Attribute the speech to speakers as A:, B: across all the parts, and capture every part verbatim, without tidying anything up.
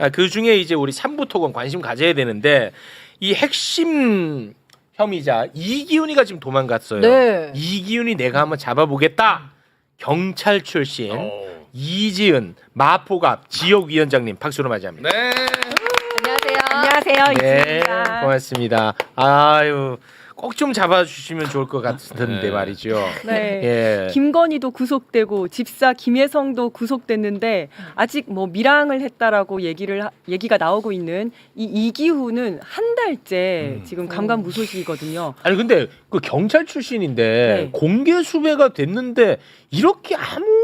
A: 아, 그 중에 이제 우리 삼부 토건 관심 가져야 되는데 이 핵심 혐의자 이기훈이가 지금 도망갔어요.
B: 네.
A: 이기훈이 내가 한번 잡아보겠다. 경찰 출신
C: 오.
A: 이지은 마포갑 지역위원장님 박수로 맞이합니다.
C: 네.
B: 안녕하세요. 안녕하세요.
A: 네,
B: 이지입니다.
A: 고맙습니다. 아유, 꼭 좀 잡아주시면 좋을 것 같은데
C: 네.
A: 말이죠.
B: 네.
A: 예.
B: 김건희도 구속되고 집사 김혜성도 구속됐는데 아직 뭐 밀항을 했다라고 얘기를 하, 얘기가 나오고 있는 이 이기훈은 한 달째
A: 음.
B: 지금 감감무소식이거든요.
A: 아니 근데 그 경찰 출신인데
B: 네.
A: 공개 수배가 됐는데 이렇게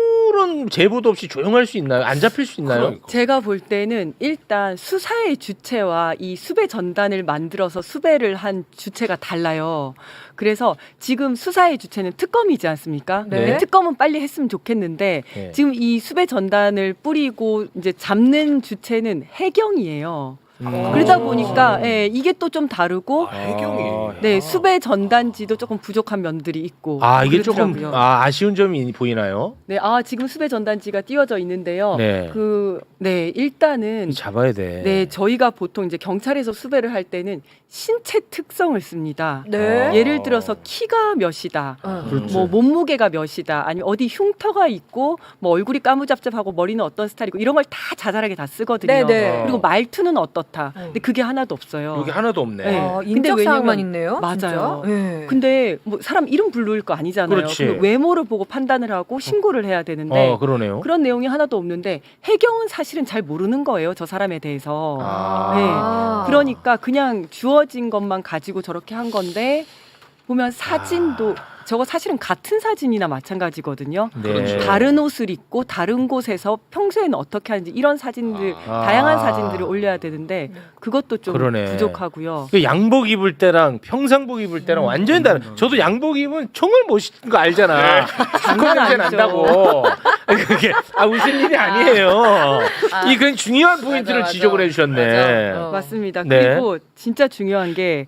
A: 아무런 제보도 없이 조용할 수 있나요? 안 잡힐 수 있나요?
C: 그러니까.
B: 제가 볼 때는 일단 수사의 주체와 이 수배 전단을 만들어서 수배를 한 주체가 달라요. 그래서 지금 수사의 주체는 특검이지 않습니까?
A: 네.
B: 근데 특검은 빨리 했으면 좋겠는데
A: 네.
B: 지금 이 수배 전단을 뿌리고 이제 잡는 주체는 해경이에요.
A: 음.
B: 그러다 보니까 예, 이게 또 좀 다르고
C: 아, 해경이.
B: 네 수배 전단지도 조금 부족한 면들이 있고
A: 아 이게
B: 그렇더라고요.
A: 조금 아, 아쉬운 점이 보이나요?
B: 네, 아 지금 수배 전단지가 띄워져 있는데요.
A: 네.
B: 그 네 일단은
A: 잡아야 돼.
B: 네 저희가 보통 이제 경찰에서 수배를 할 때는 신체 특성을 씁니다.
D: 네.
B: 예를 들어서 키가 몇이다.
A: 그렇지.
B: 뭐 몸무게가 몇이다. 아니면 어디 흉터가 있고 뭐 얼굴이 까무잡잡하고 머리는 어떤 스타일이고 이런 걸 다 자잘하게 다 쓰거든요.
D: 네네.
B: 그리고 말투는 어떻다.
D: 음.
B: 근데 그게 하나도 없어요.
A: 여기 하나도 없네.
B: 네.
D: 아,
B: 근데
D: 인적 사항만
B: 왜냐면-
D: 있네요.
B: 맞아요.
D: 진짜? 네.
B: 근데 뭐 사람 이름 부를 거 아니잖아요.
A: 그렇지.
B: 그럼 외모를 보고 판단을 하고 신고를 해야 되는데
A: 어 그러네요.
B: 그런 내용이 하나도 없는데 해경은 사실은 잘 모르는 거예요. 저 사람에 대해서.
A: 아.
B: 네.
D: 아.
B: 그러니까 그냥 주어진 것만 가지고 저렇게 한 건데 보면 사진도 저거 사실은 같은 사진이나 마찬가지거든요.
A: 네.
B: 다른 옷을 입고 다른 곳에서 평소에는 어떻게 하는지 이런 사진들
A: 아.
B: 다양한 사진들을 올려야 되는데 그것도 좀
A: 그러네.
B: 부족하고요.
A: 그 양복 입을 때랑 평상복 입을 때랑 완전히 다른. 저도 양복 입으면 총을 못 쏘는 거 알잖아.
B: 장난
A: 냄새
B: 아니죠.
A: 난다고. 그게 아 웃을 일이 아니에요. 이 그냥 중요한 포인트를
D: 맞아.
A: 지적을 해주셨네.
D: 맞아. 어.
B: 맞습니다.
A: 네.
B: 그리고 진짜 중요한 게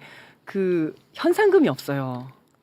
B: 그 현상금이 없어요.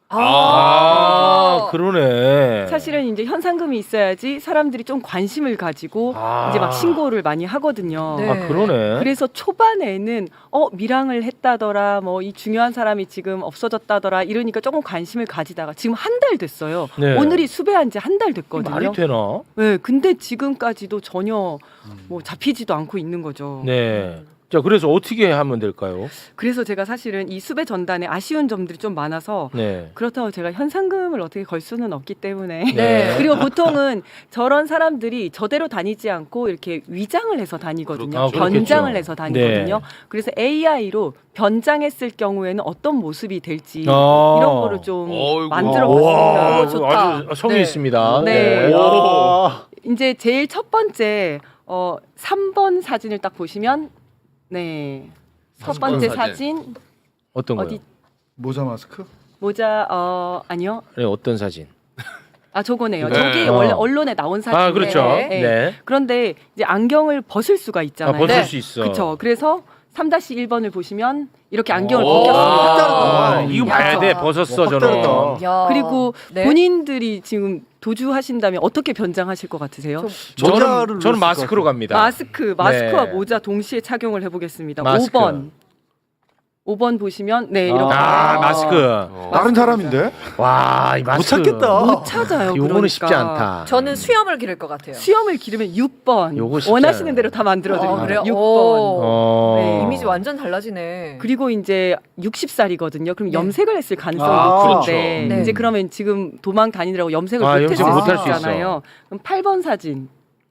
A: 아, 그러네.
B: 사실은 이제 현상금이 있어야지 사람들이 좀 관심을 가지고
A: 아.
B: 이제 막 신고를 많이 하거든요.
D: 네.
A: 아 그러네.
B: 그래서 초반에는 어 밀항을 했다더라, 뭐 이 중요한 사람이 지금 없어졌다더라 이러니까 조금 관심을 가지다가 지금 한 달 됐어요.
A: 네.
B: 오늘이 수배한 지 한 달 됐거든요.
A: 말이 되나?
B: 네, 근데 지금까지도 전혀 뭐 잡히지도 않고 있는 거죠.
A: 네. 자 그래서 어떻게 하면 될까요?
B: 그래서 제가 사실은 이 수배 전단에 아쉬운 점들이 좀 많아서
A: 네.
B: 그렇다고 제가 현상금을 어떻게 걸 수는 없기 때문에
A: 네.
B: 그리고 보통은 저런 사람들이 저대로 다니지 않고 이렇게 위장을 해서 다니거든요.
A: 아, 그렇겠죠.
B: 변장을 해서 다니거든요.
A: 네.
B: 그래서 에이아이로 변장했을 경우에는 어떤 모습이 될지
A: 아.
B: 이런 거를 좀
C: 어이구.
B: 만들어
A: 와,
B: 봤습니다.
D: 좋다.
A: 아주 성의
D: 네.
A: 있습니다.
B: 네.
A: 오.
B: 이제 제일 첫 번째 어, 삼 번 사진을 딱 보시면 네. 첫
C: 삼 번
B: 번째
C: 사진.
B: 사진
A: 어떤 거요?
B: 어디
E: 모자 마스크?
B: 모자 어 아니요.
A: 네, 어떤 사진?
B: 아 저거네요.
C: 네.
B: 저기
A: 어.
B: 원래 언론에 나온 사진.
A: 아 그렇죠.
D: 네.
A: 네.
B: 그런데 이제 안경을 벗을 수가
A: 아,
B: 있잖아요.
A: 벗을
D: 네.
A: 수 있어.
B: 그렇죠. 그래서 삼 일 번을 보시면 이렇게 안경을
A: 오.
B: 벗겼습니다.
A: 아,
E: 음.
A: 이거 봐야
D: 야.
A: 돼. 벗었어
E: 확
A: 저는.
E: 다르다.
D: 야.
B: 그리고
D: 네.
B: 본인들이 지금 도주하신다면 어떻게 변장하실 것 같으세요?
D: 좀-
E: 모자를
A: 저는
E: 넣었을
A: 저는
E: 것
A: 마스크로
E: 같아요.
A: 갑니다.
B: 마스크, 마스크와
A: 네.
B: 모자 동시에 착용을 해보겠습니다.
A: 마스크.
B: 오 번. 오 번 보시면 네 이렇게
A: 아, 마스크.
C: 어.
E: 다른 사람인데?
A: 와, 이
E: 못
A: 마스크.
E: 찾겠다.
B: 못 찾아요.
A: 요거는
B: 그러니까.
A: 쉽지 않다.
D: 저는 수염을 기를 것 같아요.
B: 수염을 기르면 육 번.
A: 요거 쉽지
B: 원하시는
A: 않아요.
B: 대로 다 만들어 드립니다.
D: 아, 그래요?
B: 육 번.
D: 오.
A: 어.
B: 네,
D: 이미지 완전 달라지네.
B: 그리고 이제 육십 살이거든요. 그럼
D: 네.
B: 염색을 했을 가능성이
E: 아,
B: 높은데
D: 그렇죠. 네.
B: 이제 그러면 지금 도망 다니느라고 염색을
A: 아,
B: 못
A: 염색
B: 했을
D: 못할
B: 수
D: 수
B: 있잖아요. 그럼 팔 번 사진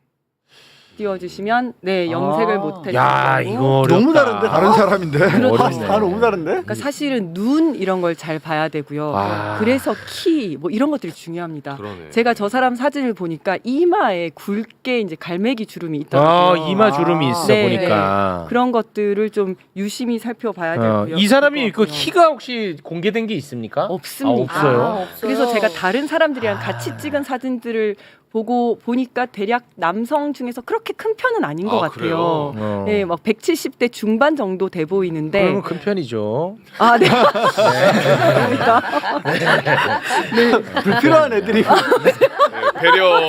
B: 띄워주시면 네 염색을
E: 아.
B: 못
A: 야,
B: 했고
A: 이거 어렵다.
E: 너무 다른데? 다른 사람인데?
A: 어렵네.
E: 아, 너무 다른데?
B: 그러니까 사실은 눈 이런 걸 잘 봐야 되고요.
A: 아.
B: 그래서 키 뭐 이런 것들이 중요합니다.
C: 그러네.
B: 제가 저 사람 사진을 보니까 이마에 굵게 이제 갈매기 주름이
A: 아,
B: 있더라고요.
A: 이마 주름이 있어
B: 네,
A: 보니까.
B: 그런 것들을 좀 유심히 살펴봐야
A: 어,
B: 되고요.
A: 이 사람이 그
B: 그거고요.
A: 키가 혹시 공개된 게 있습니까?
B: 없습니다.
A: 아, 없어요?
D: 아, 없어요.
B: 그래서 제가 다른 사람들이랑 같이 찍은 사진들을 보고 보니까 대략 남성 중에서 그렇게 큰 편은 아닌 것
C: 아,
B: 같아요.
C: 그래요?
A: 어.
B: 네, 막 백칠십 대 중반 정도 돼 보이는데
A: 그러면 큰 편이죠.
B: 아, 네.
E: 불필요한 애들이.
C: 배려.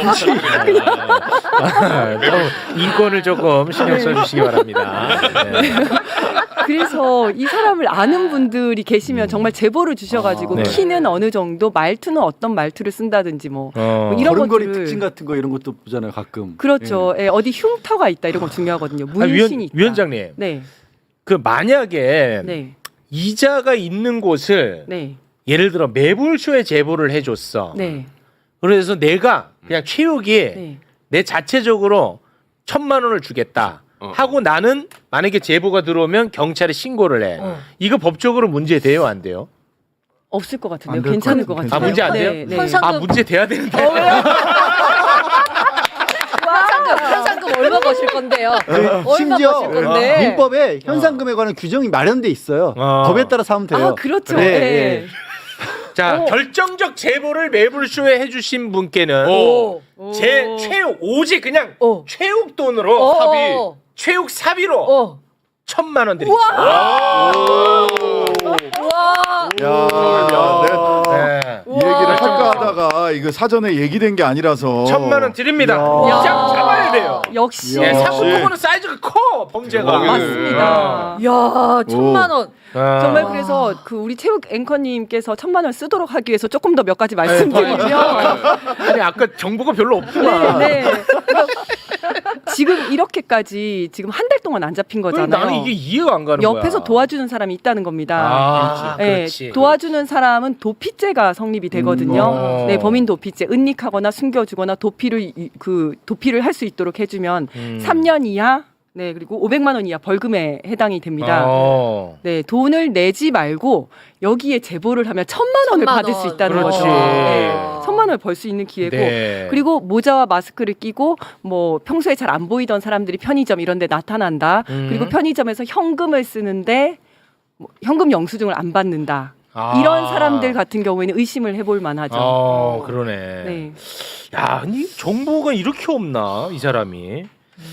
A: 아, 너무 인권을 조금 신경 써주시기 바랍니다. 네.
B: 그래서 이 사람을 아는 분들이 계시면 정말 제보를 주셔가지고
A: 아, 네.
B: 키는 어느 정도, 말투는 어떤 말투를 쓴다든지 뭐,
A: 어.
B: 뭐 이런
F: 걸음걸이
B: 것들을-
F: 특징 같은 거 이런 것도 보잖아요 가끔.
B: 그렇죠. 예, 어디 흉터가 있다 이런 거 중요하거든요.
A: 아,
B: 문신이
A: 위원,
B: 있다.
A: 위원장님,
B: 네,
A: 그 만약에
B: 네,
A: 이자가 있는 곳을
B: 네,
A: 예를 들어 매불쇼에 제보를 해줬어.
B: 네,
A: 그래서 내가 그냥 최욱이
B: 네.
A: 내 자체적으로 천만 원을 주겠다
C: 어.
A: 하고 나는 만약에 제보가 들어오면 경찰에 신고를 해.
D: 어.
A: 이거 법적으로 문제 돼요, 안 돼요?
B: 없을 것 같은데요.
E: 안될
B: 괜찮을
E: 것
B: 것
E: 같아요.
B: 같아요.
A: 아, 문제 안 돼요?
B: 네, 네.
D: 현상-
A: 아, 문제 돼야 되는데.
D: 현상금 현상금 얼마 거실 건데요? 얼마
F: 그 심지어
D: 거실 건데?
F: 민법에 현상금에 관한 규정이 마련돼 있어요.
A: 어.
F: 법에 따라서 하면 돼요.
B: 아, 그렇죠.
F: 네,
B: 네.
F: 네.
A: 자,
B: 어.
A: 결정적 제보를 매불쇼에 해주신 분께는
C: 오.
B: 오.
A: 제 최욱 오직 그냥
D: 어.
A: 최욱 돈으로
D: 어.
A: 사비 최욱 사비로
D: 어.
A: 천만 원 드리겠습니다.
D: 와.
E: 야, 내가
A: 네.
E: 이 얘기를 할까 하다가 이거 사전에 얘기된 게 아니라서
A: 천만 원 드립니다.
E: 야.
A: 입장 잡아야 돼요.
B: 역시.
A: 예,
E: 역시.
A: 사고통은 사이즈가 커 범죄가.
C: 대박이네.
B: 맞습니다.
D: 야, 천만 원.
A: 아.
B: 정말 그래서 그 우리 체육 앵커님께서 천만 원 쓰도록 하기 위해서 조금 더 몇 가지 말씀드리면
A: 아니 아까 정보가 별로 없구나.
B: 네, 네. 그러니까 지금 이렇게까지 지금 한 달 동안 안 잡힌
A: 그럼
B: 거잖아요.
A: 나는 이게 이해가 안 가는 거야.
B: 옆에서 도와주는 사람이 있다는 겁니다.
A: 아,
B: 네,
A: 그렇지.
B: 도와주는 사람은 도피죄가 성립이 되거든요.
A: 음, 어.
B: 네, 범인 도피죄, 은닉하거나 숨겨주거나 도피를 이- 그 도피를 할 수 있도록 해주면
A: 음.
B: 삼 년 이하, 네 그리고 오백만 원 이하 벌금에 해당이 됩니다.
A: 어.
B: 네, 돈을 내지 말고 여기에 제보를 하면 천만 원을
D: 천만
B: 받을 수
D: 원.
B: 있다는
A: 그렇지.
B: 거죠. 네, 천만 원을 벌 수 있는 기회고.
A: 네.
B: 그리고 모자와 마스크를 끼고 뭐 평소에 잘 안 보이던 사람들이 편의점 이런 데 나타난다.
A: 음.
B: 그리고 편의점에서 현금을 쓰는데 뭐 현금 영수증을 안 받는다.
A: 아.
B: 이런 사람들 같은 경우에는 의심을 해볼 만하죠.
A: 어, 그러네.
B: 네.
A: 야, 아니 정보가 이렇게 없나 이 사람이?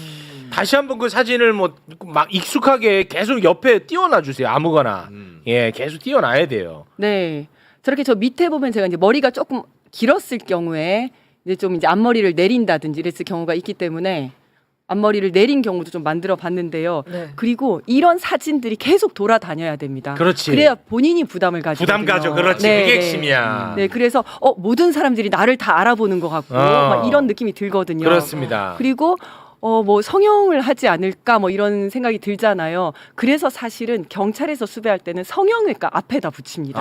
A: 다시 한번 그 사진을 뭐 막 익숙하게 계속 옆에 띄워놔 주세요. 아무거나.
C: 음.
A: 예, 계속 띄워놔야 돼요.
B: 네. 저렇게 저 밑에 보면 제가 이제 머리가 조금 길었을 경우에 이제 좀 이제 앞머리를 내린다든지 이랬을 경우가 있기 때문에 앞머리를 내린 경우도 좀 만들어 봤는데요.
D: 네.
B: 그리고 이런 사진들이 계속 돌아다녀야 됩니다.
A: 그렇지.
B: 그래야 본인이 부담을 가지고
A: 부담 가져. 그렇지.
B: 네,
A: 그게
B: 네.
A: 핵심이야.
B: 네, 그래서 어 모든 사람들이 나를 다 알아보는 것 같고
A: 어.
B: 막 이런 느낌이 들거든요.
A: 그렇습니다.
B: 그리고 어 뭐 성형을 하지 않을까 뭐 이런 생각이 들잖아요. 그래서 사실은 경찰에서 수배할 때는 성형외과 앞에다 붙입니다.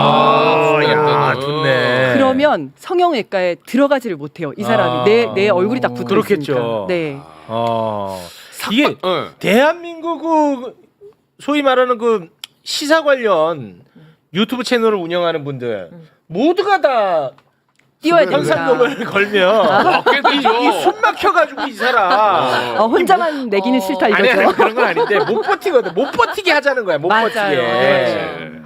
A: 아, 야,
C: 음.
A: 좋네.
B: 그러면 성형외과에 들어가지를 못해요. 이 사람이
A: 아.
B: 내 내 얼굴이 다 붙어
A: 그렇겠죠.
B: 있으니까. 네.
A: 어. 이게
C: 어.
A: 대한민국 그 소위 말하는 그 시사 관련 유튜브 채널을 운영하는 분들 모두가 다
B: 띄워야 됩니다.
A: 현상금을 걸면
C: 맞게 되죠.
A: 이숨 막혀가지고 이 사람
B: 어, 혼자만 내기는
D: 어.
B: 싫다
A: 아니,
B: 이거죠.
A: 아니 그런 건 아닌데 못 버티거든. 못 버티게 하자는 거야. 못
B: 맞아요.
A: 버티게.
B: 네.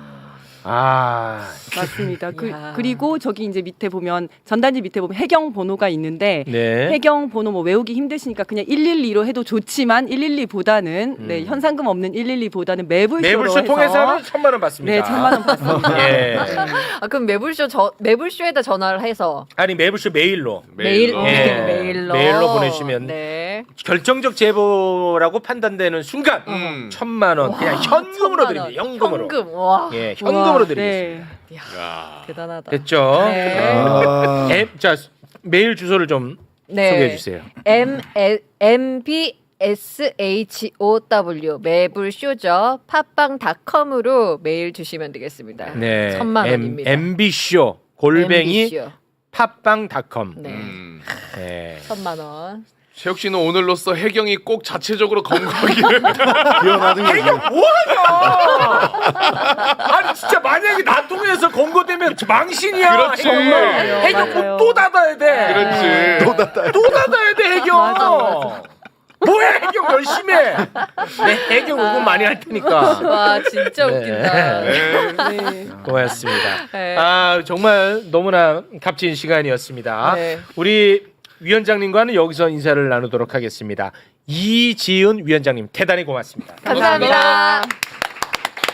A: 아,
B: 맞습니다. 그,
D: 이야.
B: 그리고 저기 이제 밑에 보면 전단지 밑에 보면 해경 번호가 있는데
A: 네.
B: 해경 번호 뭐 외우기 힘드시니까 그냥 일일이로 해도 좋지만 일일이보다는
A: 음.
B: 네, 현상금 없는 일일이보다는 매불쇼로
A: 매불쇼
B: 해서
A: 통해서는 천만 원 받습니다.
B: 네, 천만 원 받습니다.
A: 예.
D: 아, 그럼 매불쇼 저 매불쇼에다 전화를 해서
A: 아니 매불쇼 메일로
D: 메일
C: 메일로.
A: 예.
D: 메일로
A: 메일로 보내주시면
D: 네.
A: 결정적 제보라고 판단되는 순간
C: 음.
A: 천만 원 그냥 현금으로
D: 천만 원.
A: 드립니다. 현금으로.
D: 현금. 와.
A: 예, 현금으로
B: 와,
A: 드리겠습니다.
B: 네.
C: 야.
D: 대단하다.
A: 됐죠?
D: 네.
E: 아,
A: 앱, 자 메일 주소를 좀
D: 네.
A: 소개해 주세요.
D: M M B S H O W 매불쇼죠. 팟빵닷컴으로 메일 주시면 되겠습니다.
A: 네,
D: 천만 원입니다.
A: 엠비쇼 골뱅이
D: 엠비쇼.
A: 팟빵닷컴.
D: 네.
C: 음.
A: 네.
D: 천만 원.
C: 최욱 씨는 오늘로써 해경이 꼭 자체적으로 검거하기를.
E: 비워나는 거지.
A: 뭐하냐? 아니 진짜 만약에 나 통해서 검거되면 망신이야.
C: 그렇지.
A: 해경.
B: 맞아요.
A: 해경
B: 맞아요.
A: 또 닫아야 돼.
C: 그렇지.
E: 또 닫아야
A: 또 닫아야 돼 해경.
B: 맞아, 맞아.
A: 뭐야 해경 열심히 해. 네, 해경 응원 많이 할 테니까.
D: 와 진짜
A: 네.
D: 웃긴다.
C: 네.
B: 네.
A: 고맙습니다.
D: 네.
A: 아 정말 너무나 값진 시간이었습니다.
D: 네.
A: 우리 위원장님과는 여기서 인사를 나누도록 하겠습니다. 이지은 위원장님 대단히 고맙습니다.
D: 감사합니다.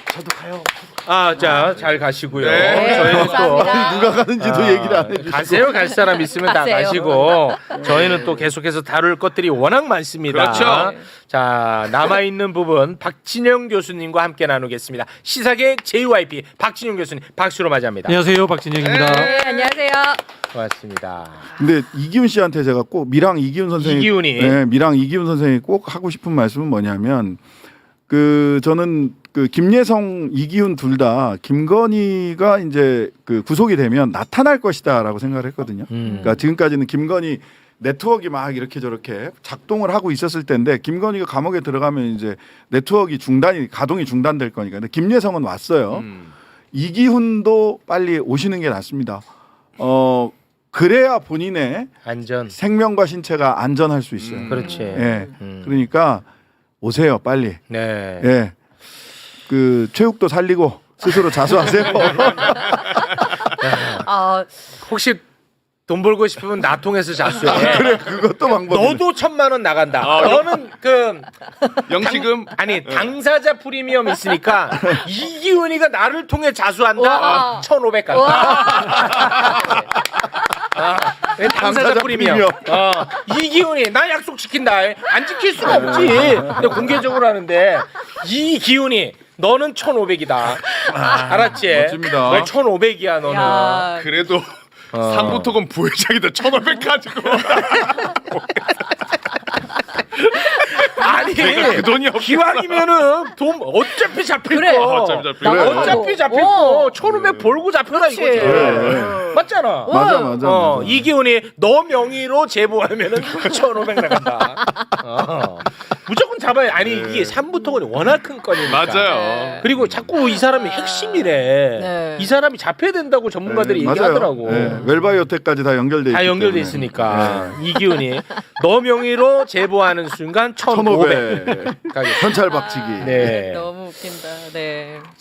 E: 저도 가요.
A: 아, 자, 잘 가시고요.
C: 네,
A: 저희는 또
D: 감사합니다.
E: 누가 가는지도
A: 아,
E: 얘기를 안 해주시고.
A: 가세요. 갈 사람 있으면 다
D: 가세요.
A: 가시고 저희는 또 계속해서 다룰 것들이 워낙 많습니다.
C: 그렇죠.
A: 자, 남아 있는 부분 박진영 교수님과 함께 나누겠습니다. 시사계 제이와이피 박진영 교수님 박수로 맞이합니다.
G: 안녕하세요, 박진영입니다.
D: 네, 안녕하세요.
A: 고맙습니다.
E: 근데 이기훈 씨한테 제가 꼭 미랑 이기훈 선생님,
A: 이기훈이.
E: 네, 미랑 이기훈 선생이 꼭 하고 싶은 말씀은 뭐냐면 그 저는 그 김예성, 이기훈 둘 다 김건희가 이제 그 구속이 되면 나타날 것이다라고 생각을 했거든요.
A: 음.
E: 그러니까 지금까지는 김건희 네트워크 막 이렇게 저렇게 작동을 하고 있었을 텐데 김건희가 감옥에 들어가면 이제 네트워크 중단이 가동이 중단될 거니까. 근데 김예성은 왔어요.
C: 음.
E: 이기훈도 빨리 오시는 게 낫습니다. 어 그래야 본인의
A: 안전.
E: 생명과 신체가 안전할 수 있어요.
C: 음.
A: 그렇지.
E: 예.
A: 음.
E: 그러니까 오세요, 빨리.
A: 네.
E: 예. 그 체육도 살리고 스스로 자수하세요.
D: 아,
A: 혹시 돈 벌고 싶으면 나 통해서 자수해.
E: 그래, 그것도 방법이네.
A: 너도 천만 원 나간다.
C: 아,
A: 너는 그
C: 영지금
A: 아니 당사자 프리미엄 있으니까 이기훈이가 나를 통해 자수한다.
D: 와.
A: 천오백 간다. 아, 왜 당사자,
E: 당사자
A: 프리미엄.
E: 프리미엄.
A: 어, 이기훈이 나 약속 지킨다. 안 지킬 수가 없지. 근데 공개적으로 하는데 이기훈이 너는 천오백이다. 알았지?
E: 멋집니다.
A: 왜 천오백이야 너는.
D: 야,
C: 그래도
A: 어.
C: 삼부토건 부회장이다 천오백 가지고
A: 아니
C: 내가 그 돈이 없
A: 기왕이면은 돈 어차피 잡힐
D: 그래.
A: 거
C: 어차피 잡힐
D: 거.
A: 어차피 잡힐
D: 어.
A: 거 천오백 벌고 잡혀라
D: 그렇지.
A: 이거지
E: 그래.
A: 맞잖아
E: 맞아, 맞아,
A: 어,
E: 맞아.
A: 이기훈이 너 명의로 제보하면은 천오백 나간다 어. 무조건 잡아야 아니 이게 삼부토건이 워낙 큰 건이니까
C: 맞아요.
A: 그리고 자꾸 이 사람이 핵심이래
D: 네.
A: 이 사람이 잡혀야 된다고 전문가들이
E: 네, 맞아요.
A: 얘기하더라고
E: 네, 웰바이오텍까지 다 연결돼
A: 다
E: 있기
A: 연결돼
E: 때문에.
A: 있으니까 이기훈이 너 명의로 제보하는 순간 천오백
E: 천오백.
A: 가격.
E: 현찰 박치기.
A: 네.
D: 너무 웃긴다. 네.